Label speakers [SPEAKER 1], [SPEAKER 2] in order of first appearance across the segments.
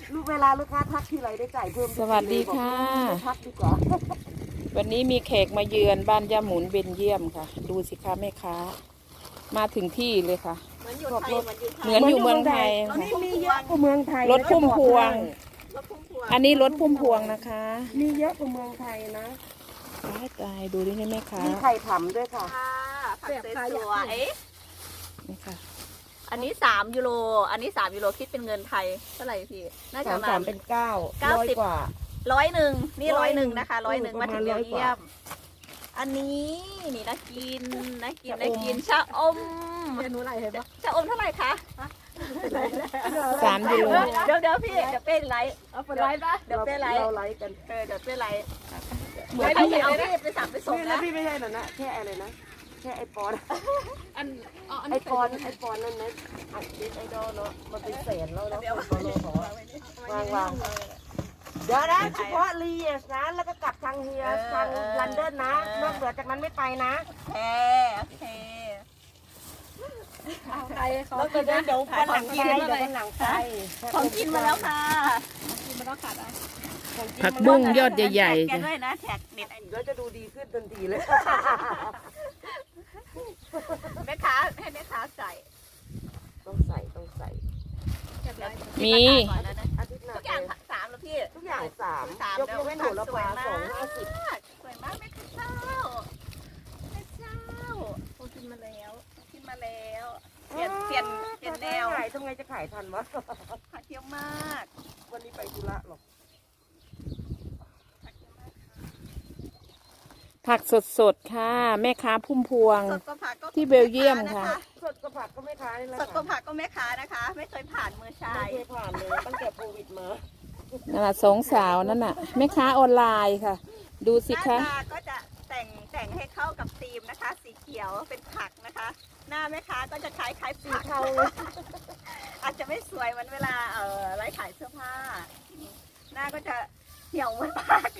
[SPEAKER 1] ลูกเวลาลูกค้าทักทีไรได้จ่ายเพิ่ม
[SPEAKER 2] สวัสดีค่ะ
[SPEAKER 1] ทักดีกว่า
[SPEAKER 2] วันนี้มีแขกมาเยือนบ้านย่าหมุนเบนเยี่ยมค่ะ ดูสิคะแม่ค้ามาถึงที่เลยค่ะเหมือนอยู่เมืองไทย
[SPEAKER 1] ตอนนี้มีเยอะกว่าเมืองไทย
[SPEAKER 2] รถพุ่มพวง อันนี้รถพุ่มพวงนะคะ
[SPEAKER 1] มีเยอะกว่าเมืองไทยนะ
[SPEAKER 2] ตายดูดิแม่ค้า
[SPEAKER 1] มีไข่ผำด้วยค่ะ
[SPEAKER 3] ผักสวย
[SPEAKER 2] นี่ค่ะ
[SPEAKER 3] ๆอันนี้3 ยูโรอันนี้3 ยูโรคิดเป็นเงินไทยเท่าไหร่พี่น่าจะประมา
[SPEAKER 1] สา
[SPEAKER 3] ณ
[SPEAKER 1] มเป็น900 กว่า
[SPEAKER 3] 100นี่100นะคะ100มาถึงเบลเยียม อันนี้นี่น่ากินชะอมเมนูอะไรเห็นปะชะอมเท่าไหร่คะ
[SPEAKER 2] 3 ยูโร
[SPEAKER 3] เดี๋ยวพี่เดี๋ยวเป้ไลฟ์เอาไปไลฟ์นะเดี๋ยวเป้ไลฟ์
[SPEAKER 1] เราไลฟ์กัน
[SPEAKER 3] เดี๋ยวเป้ไลฟ์เหมือนพี่เอาพี่ไปสั่งไปส่ง
[SPEAKER 1] แล้
[SPEAKER 3] นะ
[SPEAKER 1] วพี่ไม่ใช่หรอนะแค่อะไรนะแค่ไอปอนไอปอนนั่นนะอัดคลิปไอดอลเนาะมันเป็นแสนแล้วเนาะคนโลของวางเดี๋ยวนะเฉพาะลีสนะแล้วก็กลับทางเฮียทางลันเดนนะนอกเหนือจากนั้นไม่ไปนะ
[SPEAKER 3] โอเค
[SPEAKER 1] แล้วก็เดี๋ยววันหลังไปเดี๋ยววันหลังไป
[SPEAKER 3] ของกินมาแล้วค่ะ
[SPEAKER 2] ผักบุ้งยอดใหญ่
[SPEAKER 3] แก
[SPEAKER 2] ๆจ้ะ
[SPEAKER 3] ด้วยนะแท็กเน็ต
[SPEAKER 1] แล้วจะดูดีขึ้นทันทีเลย
[SPEAKER 3] แม่ค้าให้แม่ค้าใส่
[SPEAKER 1] ต้องใส่
[SPEAKER 2] มี
[SPEAKER 1] อาทิตย์หน้า
[SPEAKER 3] ทุกอย่าง3แล้วพี่
[SPEAKER 1] ทุกอย่าง3ยกเว้นโหระพา250
[SPEAKER 3] สวยมากแม่ข้าวแม่เจ้ากินมาแล้วเปลี่ยนแนว
[SPEAKER 1] ทำไงจะขายทันวะ
[SPEAKER 3] ขายเที่ยวมาก
[SPEAKER 1] วันนี้ไปธุระหรอก
[SPEAKER 2] ผักสดๆค่ะแม่ค้าพุ่มพวง
[SPEAKER 3] สดก็ผักก็
[SPEAKER 2] ที่เบลเยียมค่ะ
[SPEAKER 1] สดก็ผักก็ไม่ขายแล้ว
[SPEAKER 3] สดก็ผักก็แม่ค้านะคะ ไม่เคยผ่านมือชา
[SPEAKER 1] ไม่
[SPEAKER 3] ย
[SPEAKER 1] เคยผ่านเลยตั้งแต่โควิดมา
[SPEAKER 2] นั่นน่ะสองสาวนั่นน่ะแม่ค้าออนไลน์ค่ะ ดูสิ
[SPEAKER 3] หน้า
[SPEAKER 2] คะ
[SPEAKER 3] ตาก็จะแต่งให้เข้ากับธีมนะคะ สีเขียวเป็นผักนะคะ หน้าแม่ค้าก็จะคล้ายผัก
[SPEAKER 1] เทาเลย
[SPEAKER 3] อาจจะไม่สวยเหมือนเวลาไลฟ์ขายเสื้อผ้า หน้าก็จะเหี่ยวเหมือนผัก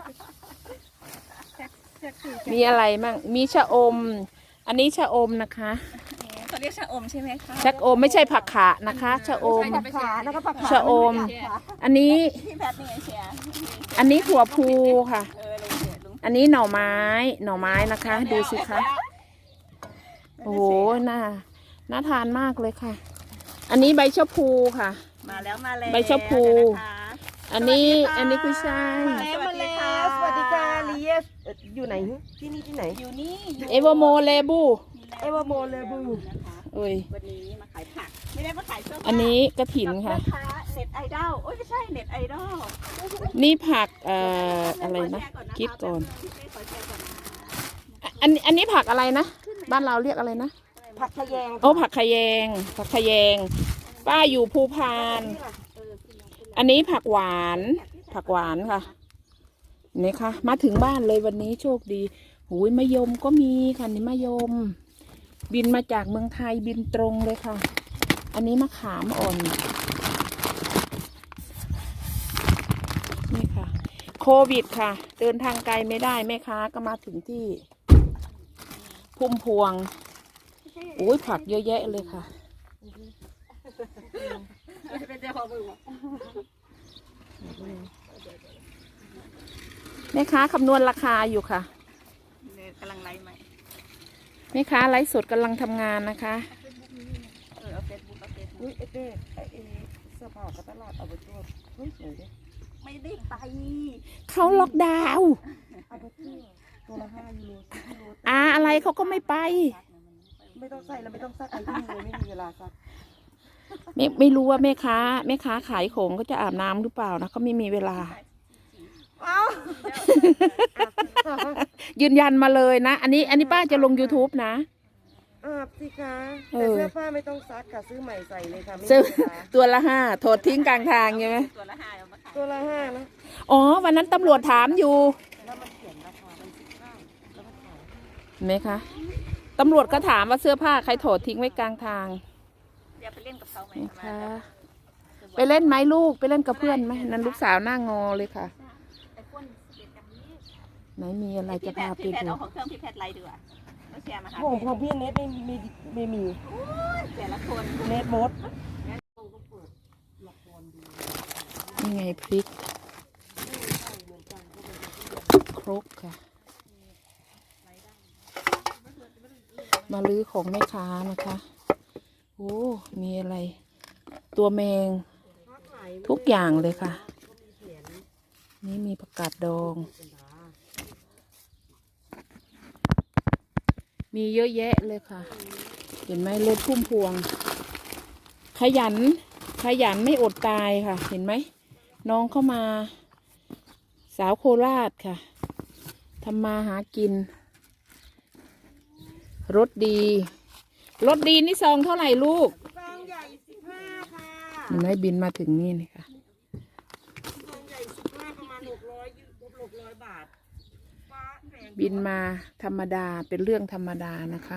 [SPEAKER 2] มีอะไรมั่งมีชะอม อันนี้ชะอมนะคะ
[SPEAKER 3] เขาเรียกชะอมใช่ไหมคะ
[SPEAKER 2] ชะอมไม่ใช่ผักขานะคะชะอม
[SPEAKER 1] ขานะคะผักขา
[SPEAKER 2] ชะอม อันนี้
[SPEAKER 3] พี่แพทย์นี่ไงเชียร์
[SPEAKER 2] อันนี้ถั่วพูค่ะ
[SPEAKER 3] ลุงเชียร์ลุง
[SPEAKER 2] อันนี้หน่อไม้นะคะ ดูสิคะโอ้โหน่าทานมากเลยค่ะ อันนี้ใบชะพูค่ะ
[SPEAKER 3] มาแล้ว
[SPEAKER 2] ใบชะพู อันนี้คือใช่
[SPEAKER 1] สวัสดีค่ะสวัสดีค่ะลีเอสอยู่ไหนที่ไหน
[SPEAKER 3] อยู่นี่
[SPEAKER 2] เอเวอร์โมเลบู
[SPEAKER 1] เอวาโมเลบู
[SPEAKER 2] เอ้ย
[SPEAKER 3] วันนี้มาขายผัก ไม่ได้มาขายเสื้อผ้า
[SPEAKER 2] อันนี้กระถินค่ะ
[SPEAKER 3] กับแม่ค้าเน็ตไอดอลโอ้ยไม่ใช่เน็ตไอดอล
[SPEAKER 2] นี่ผักอะไรนะคิดก่อน
[SPEAKER 3] ขอแชร์ก่อนนะ
[SPEAKER 2] อันนี้ผักอะไรนะบ้านเราเรียกอะไรนะ
[SPEAKER 1] ผักทะแยง
[SPEAKER 2] โอ้ผักขะแยงป้าอยู่ภูพาน อันนี้ผักหวานค่ะนี่ค่ะมาถึงบ้านเลยวันนี้โชคดีหูยมะยมก็มีค่ะนี่มะยม บินมาจากเมืองไทยบินตรงเลยค่ะ อันนี้มะขามอ่อนนี่ค่ะโควิดค่ะเดินทางไกลไม่ได้แม่ค้าก็มาถึงที่พุ่มพวงโอ้ยผักเยอะแยะเลยค่ะแม่ค้าคำนวณราคาอยู่ค่ะ
[SPEAKER 3] กำลังไลฟ์ใหม่
[SPEAKER 2] แม่ค้าไลฟ์สดกำลังทำงานนะคะ
[SPEAKER 3] เอาเฟซบุ๊ก
[SPEAKER 1] อุ้ยไอ้เต้ไอ้เสื้อผ้ากับตลาดเอาไปตัวเฮ้ยสวยดิ
[SPEAKER 3] ไม่ได้ไป
[SPEAKER 2] เขาล็อกดาวน์
[SPEAKER 1] เอาไปตัวละ5 ยูโร10 ยูโร
[SPEAKER 2] อะไรเขาก็ไม่ไป
[SPEAKER 1] ไม่ต้องใส่แล้วไม่ต้องซักไอ้ที่เลยไม่มีเวลาซัก
[SPEAKER 2] ไม่รู้ว่าแม่ค้าขายของก็จะอาบน้ำหรือเปล่านะเขาไม่มีเวลา ยืนยันมาเลยนะ อันนี้ป้าจะลง YouTube นะ
[SPEAKER 1] อาบสิคะแต่เสื้อผ้าไม่ต้องซักค่ะซื้อใหม่ใส่เลยค่ะไม่
[SPEAKER 2] ซื้อ
[SPEAKER 1] มีเวลา
[SPEAKER 2] ตัวละ5โถดทิ้งกลางทางใช่ไหม
[SPEAKER 3] ตัวละ5เอามาขาย
[SPEAKER 1] ตัวละ5นะ
[SPEAKER 2] อ๋อวันนั้นตำรวจถามอยู่
[SPEAKER 1] แล้วมันเขียนราคามัน19แล้วก็ขาย
[SPEAKER 2] เห็นไหมคะตำรวจก็ถามว่าเสื้อผ้าใครโถดทิ้งไว้กลางทาง
[SPEAKER 3] เดี๋ยวไปเล่นกับเขาไหม
[SPEAKER 2] นะคะไปเล่นไหมลูกไปเล่นกับเพื่อนไหมนั่นลูกสาวหน้างอเลยค่ะ
[SPEAKER 3] ไอ้พ่นเด็ดกันนี้
[SPEAKER 2] ไหนมีอะไรจะพาไป
[SPEAKER 3] พี่แพท
[SPEAKER 2] ดู
[SPEAKER 3] เอาของเครื่องพี่แพทไลฟ์ดีกว่าแล้วแชร์มาหา
[SPEAKER 1] ของพี่เน็ตไม่มี
[SPEAKER 3] แต่ละคน
[SPEAKER 1] เน็ตมด
[SPEAKER 2] นี่ไงพริกครกค่ะ มาลื้อของแม่ค้านะคะ โอ้ มีอะไร ตัวแมงทุกอย่างเลยค่ะ นี่มีผักกาดดอง มีเยอะแยะเลยค่ะ เห็นไหมรถพุ่มพวง ขยันไม่อดตายค่ะ เห็นไหม น้องเข้ามา สาวโคราชค่ะทำมาหากิน รถดีนี่ซองเท่าไหร่ลูก
[SPEAKER 1] ซองใหญ่15ค่ะ
[SPEAKER 2] เห็นไหมบินมาถึงนี่เลยค่ะ
[SPEAKER 1] ซองใหญ่15ประมาณ600บาทฟ้าแพง
[SPEAKER 2] บินมาธรรมดาเป็นเรื่องธรรมดานะคะ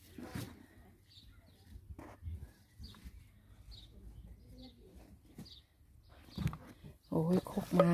[SPEAKER 2] โอ้ยครกไม้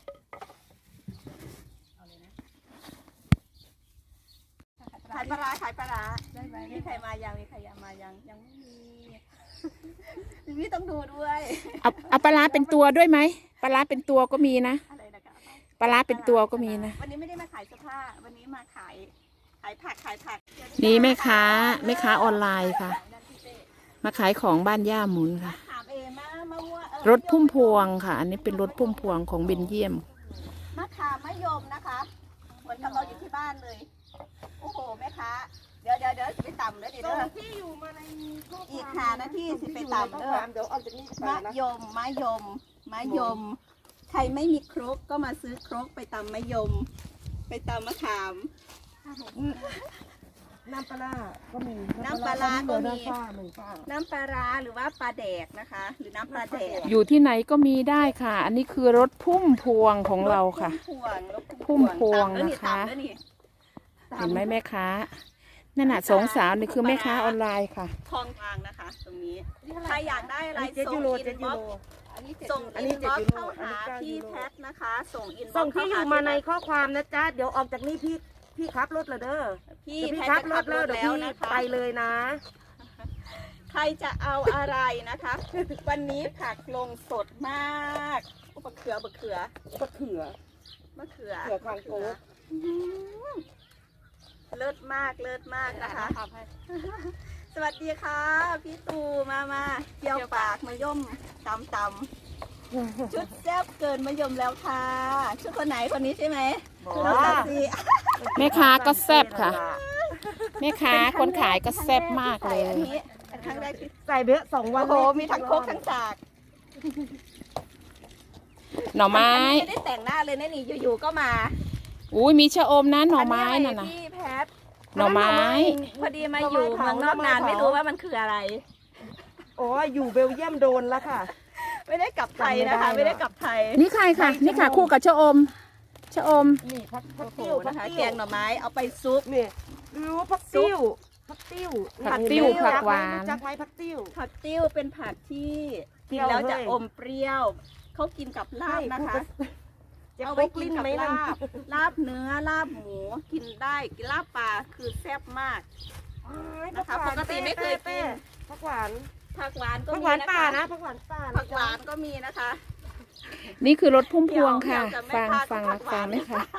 [SPEAKER 3] ขายปลาร้าได้ไหมมีใครมายังมีใครมายังไม่มีพี่ต้องดูด้วย
[SPEAKER 2] เอาปลาร้าเป็นตัวด้วยไหมปลาร้าเป็นตัวก็มีนะ
[SPEAKER 3] อะไรนะคะ
[SPEAKER 2] ปลาร้าเป็นตัวก็มีนะ
[SPEAKER 3] วันนี้ไม่ได้มาขายเสื้อผ้าวันนี้มาขายผัก
[SPEAKER 2] นี่แม่ค้าออนไลน์ค่ะ มาขายของบ้านย่าหมุนค่ะ
[SPEAKER 3] ถามเองมาวัว
[SPEAKER 2] รถพุ่มพวงค่ะ อันนี้เป็นรถพุ่มพวงของเบนเยียม
[SPEAKER 3] มะขามมะยมนะคะเหมือนกับเราอยู่ที่บ้านเลยโอ้โหแม่ค้าเดี๋ยวไปต่ำเลยเดี๋ยว
[SPEAKER 1] ส่งที่อยู่มาในข้อความ
[SPEAKER 3] อีก5 นาทีสิไปต่ำเด้อ
[SPEAKER 1] เดี๋ยวออกจากนี่ไป
[SPEAKER 3] มะ
[SPEAKER 1] นะ
[SPEAKER 3] ยม ใครไม่มีครกก็มาซื้อครกไปตำมะยม ไปตำมะขาม
[SPEAKER 1] น้ำปลาร้าก็มี
[SPEAKER 3] น้ำปลาร้าก็มี
[SPEAKER 1] ฝ้า
[SPEAKER 3] น้ำปลาร้าหรือว่าปลาแดกนะคะ หรือน้ำปลาแดก
[SPEAKER 2] อยู่ที่ไหนก็มีได้ค่ะ อันนี้คือรถพุ่มพวงของเราค่ะ
[SPEAKER 3] รถ
[SPEAKER 2] พุ่มพวง
[SPEAKER 3] ตำแล้ว
[SPEAKER 2] นะคะ
[SPEAKER 3] ตำแล้วนี่
[SPEAKER 2] เห็นไหมแม่ค้านั่นน่ะสองสาวนี่คือแม่ค้าออนไลน์ค่ะ
[SPEAKER 3] ทองกลางนะคะ ตรงนี้ใครอยากได้อะไร
[SPEAKER 1] 7
[SPEAKER 3] ส่ง
[SPEAKER 1] ยูโร
[SPEAKER 3] อินบ็อกซ์ส่ง
[SPEAKER 1] อัน
[SPEAKER 3] อิ
[SPEAKER 1] นี้
[SPEAKER 3] นบ็อก
[SPEAKER 1] 7
[SPEAKER 3] ซ์เข้าหา
[SPEAKER 1] อันนี้
[SPEAKER 3] พี่
[SPEAKER 1] 9
[SPEAKER 3] แพทนะคะ ส่งอินบ็อกซ์
[SPEAKER 1] ส่งที่อยู่มาในข้อความนะจ๊ะเดี๋ยวออกจากนี่พี่ขับรถเลยเด้อ
[SPEAKER 3] พี่
[SPEAKER 1] เดี๋ยว
[SPEAKER 3] แพ
[SPEAKER 1] พี่
[SPEAKER 3] ท
[SPEAKER 1] ขับ
[SPEAKER 3] จะ
[SPEAKER 1] ร
[SPEAKER 3] ขั
[SPEAKER 1] ถ
[SPEAKER 3] บ
[SPEAKER 1] แล้
[SPEAKER 3] ร
[SPEAKER 1] ว
[SPEAKER 3] ถ
[SPEAKER 1] เดี๋ยว
[SPEAKER 3] แล้ว
[SPEAKER 1] พี่
[SPEAKER 3] นะคะ
[SPEAKER 1] ไปเลยนะ
[SPEAKER 3] ใครจะเอาอะไรนะคะ วันนี้ผักลงสดมากมะเขือ
[SPEAKER 1] มะเขือคางโก
[SPEAKER 3] เลิศมากนะคะ สวัสดีค่ะ พี่ตูมาเกี่ยวปากมะย่มตำชุดแซ่บเกินมะยมแล้วค่ะ ชุดคนไหนคนนี้ใช่ไหมน้องตัดสิ
[SPEAKER 2] แม่ค้าก็แซ่บค่ะ แม่ค้าคนขายก็แซ่บมากเลย
[SPEAKER 3] อันนี้เป็นครั้งแรกที่
[SPEAKER 1] ใส่เบะ2 วัน
[SPEAKER 3] โอ้โหมีทั้งโคกทั้งสาก
[SPEAKER 2] หน่อไม้
[SPEAKER 3] ไม่ได้แต่งหน้าเลยนะนี่อยู่ๆก็มา
[SPEAKER 2] อุ้ยมีชะอมนะหน่อไม้นั่น
[SPEAKER 3] อั
[SPEAKER 2] น่ะ
[SPEAKER 3] พี่แพท
[SPEAKER 2] หน่อไม้
[SPEAKER 3] พอดีมาอยู่เมืองนอกนานไม่รู้ว่ามันคืออะไร
[SPEAKER 1] โอ้ยอยู่เบลเยียมโดนแล้วค่ะ
[SPEAKER 3] ไม่ได้กลับไทยนะคะ ไม่ได้กลับไทย
[SPEAKER 2] นี่ใครค่ะ นี่ค่ะคู่กับชะอม ชะอม
[SPEAKER 1] นี่ผัก
[SPEAKER 3] โอ้โห
[SPEAKER 1] ติ้วผั
[SPEAKER 3] นะ
[SPEAKER 1] ก
[SPEAKER 3] คะ
[SPEAKER 1] ติ้ว
[SPEAKER 3] แกงหน่อไม้เอาไปซุป
[SPEAKER 1] นี่รู้ผักติ้วผักติ้ว
[SPEAKER 2] ผักติ้วผักหวาน
[SPEAKER 1] รู้จักไหมผักติ้ว
[SPEAKER 3] ผักติ้วเป็นผักที่กิน
[SPEAKER 1] เปรี้ยว
[SPEAKER 3] แล้วจะ
[SPEAKER 1] เลย
[SPEAKER 3] อมเปรี้ยวเขากินกับลาบนะคะ
[SPEAKER 1] จะ
[SPEAKER 3] เอา
[SPEAKER 1] ไป
[SPEAKER 3] ไว้
[SPEAKER 1] ก
[SPEAKER 3] กิ
[SPEAKER 1] ลิ้
[SPEAKER 3] น
[SPEAKER 1] น
[SPEAKER 3] กับ
[SPEAKER 1] ไหมนั่น
[SPEAKER 3] ลาบเนื้อลาบหมูกินได้กินลาบปลาคือแซ่บมาก นะคะปกติไม่เคยกิน
[SPEAKER 1] ผักหวาน
[SPEAKER 3] ผักหวานก็
[SPEAKER 1] ผัก
[SPEAKER 3] มี
[SPEAKER 1] หวาน
[SPEAKER 3] นะ
[SPEAKER 1] ป่า
[SPEAKER 3] คะ
[SPEAKER 1] นะผักหวานป่า
[SPEAKER 3] ผักหวานก็มีนะคะ
[SPEAKER 2] นี่คือรถพุ่มพวงค่ะ
[SPEAKER 3] เดี๋ยว
[SPEAKER 2] ฟัง
[SPEAKER 3] แม่
[SPEAKER 2] ฟัง
[SPEAKER 3] ค้า
[SPEAKER 2] นะ
[SPEAKER 3] ก็
[SPEAKER 2] ฟังไหม
[SPEAKER 3] ผักหวาน
[SPEAKER 2] คะ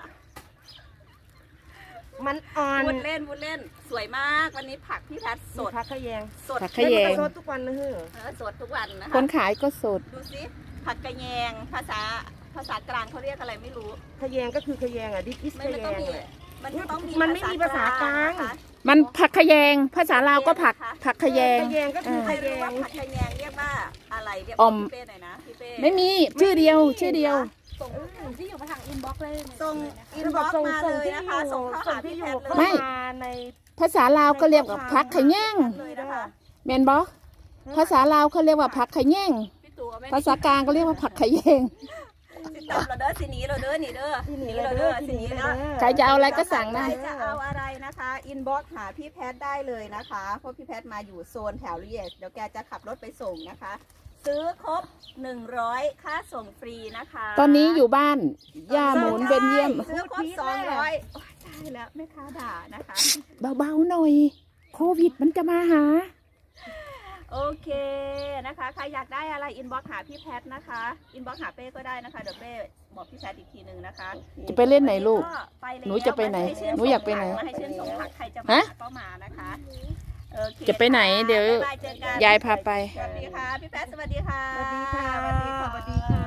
[SPEAKER 3] นะคะ
[SPEAKER 1] มันอ่อน
[SPEAKER 3] พูดเล่นสวยมากวันนี้ผักพี่แพทสด
[SPEAKER 1] ผักขะแยง
[SPEAKER 3] สด
[SPEAKER 2] ผักขะแยง
[SPEAKER 1] สดทุกวันนะเฮ้อ
[SPEAKER 3] สดทุกวันนะคะ
[SPEAKER 2] คนขายก็สด
[SPEAKER 3] ดูสิผักกระแยงภาษากลางเขาเรียกอะไรไม่รู้
[SPEAKER 1] ขะแยงก็คือขะแยงอ่ะดิส
[SPEAKER 3] ไม่
[SPEAKER 1] ขะแย
[SPEAKER 3] ต้อง
[SPEAKER 1] ง
[SPEAKER 3] มี
[SPEAKER 1] แหละ
[SPEAKER 3] มันต้องมี
[SPEAKER 1] มันไม่มีภาษากลาง
[SPEAKER 3] นะคะ
[SPEAKER 2] มันผักขะแยง ภาษาลาวก็ผักขะแยง
[SPEAKER 1] ขะแยงก็คือ
[SPEAKER 3] ใคร
[SPEAKER 1] ขะแย
[SPEAKER 3] รู้ว่าง ผักกระแยงเรียกว่าอะไรเรียก
[SPEAKER 2] อ่อม
[SPEAKER 3] พี่เป้หน่อยนะพี่เป้
[SPEAKER 2] ไม่มีชื่อเดียว ชื่อเดียว
[SPEAKER 3] ส่งที่อยู่มาทางอินบ็อกซ์เลยส่งอิน
[SPEAKER 1] คือ
[SPEAKER 3] บ็
[SPEAKER 1] บอก
[SPEAKER 3] อกซ์
[SPEAKER 1] ส่ง
[SPEAKER 3] มา
[SPEAKER 1] ส่ง
[SPEAKER 3] เลย
[SPEAKER 1] ที่
[SPEAKER 3] นะ
[SPEAKER 1] อ
[SPEAKER 3] คะ
[SPEAKER 1] ยู่
[SPEAKER 3] ส่งเข้า
[SPEAKER 1] ส่ง
[SPEAKER 3] หา
[SPEAKER 1] ที่
[SPEAKER 3] พี่
[SPEAKER 1] อ
[SPEAKER 3] แพ
[SPEAKER 1] ยู่
[SPEAKER 3] ท
[SPEAKER 1] เข้า
[SPEAKER 3] เลย
[SPEAKER 1] มาใน
[SPEAKER 2] ภาษาลาวก็เรียกว่าผักขะแยง
[SPEAKER 3] เลยนะคะ
[SPEAKER 2] แมนบอภาษาลาวเขาเรียกว่าผักขะแยง
[SPEAKER 3] พี่ตัวไม่
[SPEAKER 2] ภาษากลางก็เรียกว่าผักขะแยง
[SPEAKER 3] ติดตามเราเด้อสิหนีเราเด้อนี่เด้อ
[SPEAKER 1] ที่หนี
[SPEAKER 3] เรา
[SPEAKER 1] เลย
[SPEAKER 3] เด้
[SPEAKER 1] เด้
[SPEAKER 3] อ
[SPEAKER 1] อ
[SPEAKER 3] สิ
[SPEAKER 1] ที่
[SPEAKER 3] ห
[SPEAKER 1] ห
[SPEAKER 3] นี
[SPEAKER 1] นี
[SPEAKER 3] แล้
[SPEAKER 1] แล้ว ว
[SPEAKER 2] ใครจะเอาอะไรก็สั่งนะ
[SPEAKER 3] ใครจะเอาอะไรนะคะอินบ็อกซ์หาพี่แพทได้เลยนะคะเพราะพี่แพทมาอยู่โซนแถวเรียสเดี๋ยวแกจะขับรถไปส่งนะคะ ซื้อครบ100ค่าส่งฟรีนะคะ
[SPEAKER 2] ตอนนี้อยู่บ้าน ย่าหมุนเบนเยี่ยม
[SPEAKER 3] ซื้อครบ200โอ้ยตายแล้วแม่ค้าด่านะคะ
[SPEAKER 2] เบาๆหน่อย โควิดมันจะมาหา
[SPEAKER 3] โอเคนะคะใครอยากได้อะไรอินบ็อกหาพี่แพทนะคะอินบ็อกหาเป้ก็ได้นะคะเดี๋ยวเป้บอกพี่แพทอีกทีหนึ่งนะคะ
[SPEAKER 2] จะไปเล่นไหนลูก
[SPEAKER 3] ไปแล้ว
[SPEAKER 2] หนูจะไปไหน
[SPEAKER 3] มาให้ชื่
[SPEAKER 2] หนูอยากไปไหน
[SPEAKER 3] มาให้ชื่นชมผักใครจะ
[SPEAKER 2] ฮะ
[SPEAKER 3] มาก็มานะคะโอเค
[SPEAKER 2] จะไปไหน
[SPEAKER 3] ค่
[SPEAKER 2] เดี๋ยว
[SPEAKER 3] บ๊ายบายเจอกัน
[SPEAKER 2] ยายพาไป
[SPEAKER 3] สวัสดีค่ะพี่แพทสวัสดีค่ะ
[SPEAKER 1] สวัสดีค่ะ
[SPEAKER 3] สวัสดีค่ะ
[SPEAKER 1] สวัสดีค่ะ